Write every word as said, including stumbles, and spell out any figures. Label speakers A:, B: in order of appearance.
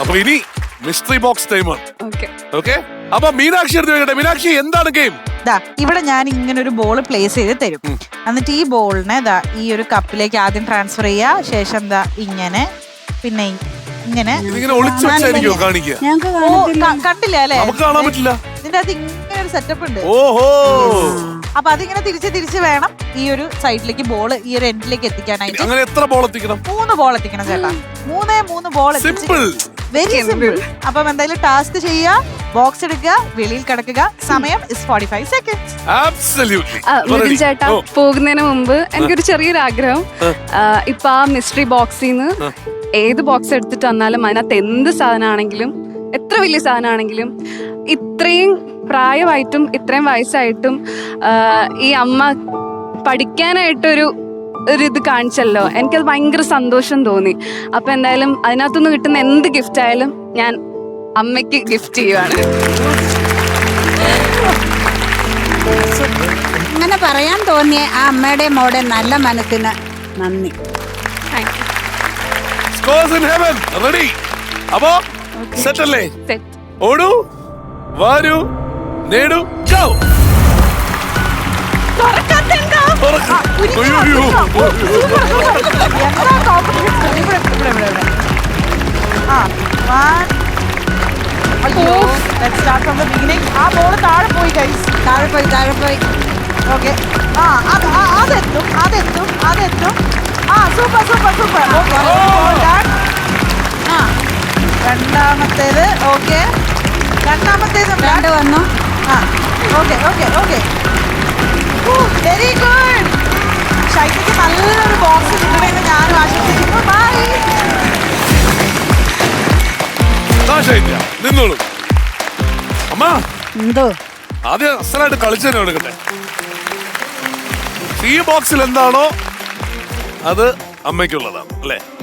A: അപ്പൊ ഇനി mystery box ടൈമാണ്.
B: ഓക്കെ
A: ഓക്കെ, അപ്പൊ മീനാക്ഷി എടുത്ത് വെക്കട്ടെ. മീനാക്ഷി, എന്താണ് ഗെയിം?
C: ദാ ഇവിടെ ഞാൻ ഇങ്ങനെ ഒരു ബോൾ പ്ലേസ് ചെയ്ത് തരും. എന്നിട്ട് ഈ ബോളിനെ ദാ ഈ ഒരു കപ്പിലേക്ക് ആദ്യം ട്രാൻസ്ഫർ ചെയ്യാ. ശേഷം ദാ ഇങ്ങനെ, പിന്നെ ഇങ്ങനെ.
A: ഇതിങ്ങനെ ഒളിച്ചു വെച്ചായിരിക്കോ കാണിക്കുക?
B: ഞങ്ങൾക്ക്
C: ഓ, ക- കണ്ടില്ല അല്ലേ?
A: നമുക്ക് കാണാൻ പറ്റില്ല.
C: ഇതിന്റെ അത് ഇങ്ങനെ ഒരു സെറ്റപ്പ് ഉണ്ട്.
A: ഓഹോ,
C: അപ്പൊ അതിങ്ങനെ തിരിച്ച് തിരിച്ച് വേണം ഈ ഒരു സൈഡിലേക്ക് ബോൾ ഈ ഒരു എൻഡിലേക്ക് എത്തിക്കാനായിട്ട്.
A: അങ്ങനെ എത്ര ബോൾ എത്തിക്കണം?
C: മൂന്ന് ബോൾ എത്തിക്കണം ചേട്ടാ. മൂന്നേ മൂന്ന് ബോൾ
A: സിമ്പിൾ,
C: വെരി സിമ്പിൾ. അപ്പം എന്തായാലും ടാസ്ക് ചെയ്യുക, ബോക്സ് എടുക്കുക, വെളിയിൽ കിടക്കുക. സമയം is forty five seconds.
A: Absolutely.
B: Mithun ചേട്ടാ, പോകുന്നതിന് മുമ്പ് എനിക്കൊരു ചെറിയൊരു ആഗ്രഹം. ഇപ്പൊ ആ മിസ്റ്ററി ബോക്സിൽ നിന്ന് ഏത് ബോക്സ് എടുത്തിട്ട് വന്നാലും അതിനകത്ത് എന്ത് സാധനമാണെങ്കിലും, എത്ര വലിയ സാധനമാണെങ്കിലും, ഇത്രയും പ്രായമായിട്ടും ഇത്രയും വയസ്സായിട്ടും ഈ അമ്മ പഠിക്കാനായിട്ടൊരു ഒരു ഇത് കാണിച്ചല്ലോ, എനിക്കത് ഭയങ്കര സന്തോഷം തോന്നി. അപ്പൊ എന്തായാലും അതിനകത്തുനിന്ന് കിട്ടുന്ന എന്ത് ഗിഫ്റ്റ് ആയാലും ഞാൻ അമ്മയ്ക്ക് ഗിഫ്റ്റ് ചെയ്യുവാണ്.
D: അങ്ങനെ പറയാൻ തോന്നിയ ആ അമ്മയുടെ മോടെ നല്ല മനസ്സിന് നന്ദി.
B: Thank you.
A: Scores in heaven ready. അപ്പോ സെറ്റ് അല്ലേ?
B: സെറ്റ്.
A: ഓടൂ, വാരൂ, നേടൂ, ഗോ.
C: ആ ബോൾ താഴെ പോയി ഗൈസ്,
D: താഴെ പോയി താഴെ പോയി.
C: ഓക്കെ. ആ അത് ആ, അതെത്തും അതെത്തും അതെത്തും. ആ സൂപ്പർ സൂപ്പർ സൂപ്പർ. ആ രണ്ടാമത്തേത്. ഓക്കെ, രണ്ടാമത്തേത്
D: രണ്ട് വന്നു.
C: ആ okay okay okay. Very good. ഷൈനിക്ക് നല്ലൊരു ബോക്സ് കിട്ടണമെന്ന് ഞാനും ആശംസിക്കുന്നു. ബൈ.
A: നിന്നോളൂ അമ്മ.
D: എന്തോ
A: ആദ്യം അസലായിട്ട് കളിച്ചു തന്നെ എടുക്കട്ടെ. ഈ ബോക്സിൽ എന്താണോ അത് അമ്മയ്ക്കുള്ളതാണ് അല്ലേ?